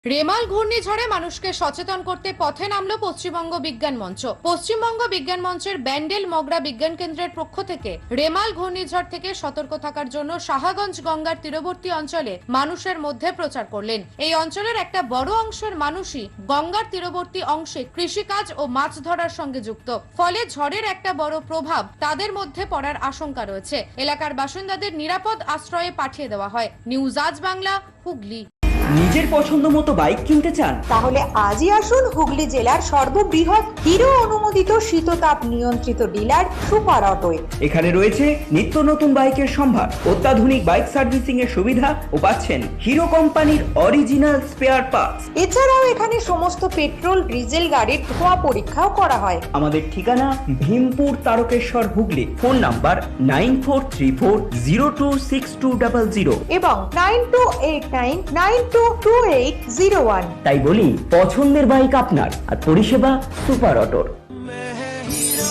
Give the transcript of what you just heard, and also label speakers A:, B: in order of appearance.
A: রেমাল ঘূর্ণিঝড়ে মানুষকে সচেতন করতে পথে নামলো পশ্চিমবঙ্গ বিজ্ঞান মঞ্চ। পশ্চিমবঙ্গ বিজ্ঞান মঞ্চের ব্যান্ডেল মগরা বিজ্ঞান কেন্দ্রের পক্ষ থেকে রেমাল ঘূর্ণিঝড় থেকে সতর্ক থাকার জন্য সাহাগঞ্জ গঙ্গার তীরবর্তী অঞ্চলে মানুষের মধ্যে প্রচার করলেন। এই অঞ্চলের একটা বড় অংশের মানুষই গঙ্গার তীরবর্তী অংশে কৃষিকাজ ও মাছ ধরার সঙ্গে যুক্ত, ফলে ঝড়ের একটা বড় প্রভাব তাদের মধ্যে পড়ার আশঙ্কা রয়েছে। এলাকার বাসিন্দাদের নিরাপদ আশ্রয়ে পাঠিয়ে দেওয়া হয়। নিউজ আজ বাংলা, হুগলি।
B: নিজের পছন্দ মতো বাইক কিনতে চান?
C: তাহলে আজই আসুন হুগলি জেলার সর্ববৃহৎ হিরো অনুমোদিত শীততাপ নিয়ন্ত্রিত ডিলার সুপার অটোয়।
B: এখানে রয়েছে নিত্য নতুন বাইকের সম্ভার, অত্যাধুনিক বাইক সার্ভিসিং এর সুবিধা ও পাচ্ছেন হিরো কোম্পানির অরিজিনাল স্পেয়ার পার্টস।
C: এছাড়াও এখানে সমস্ত পেট্রোল ডিজেল গাড়ির ধোঁয়া পরীক্ষাও করা হয়।
B: আমাদের ঠিকানা ভীমপুর তারকেশ্বর, হুগলি। ফোন নাম্বার 9434026200
C: এবং 9289922801।
B: তাই বলি, পছন্দের বাইক আপনার আর পরিষেবা সুপার অটোর।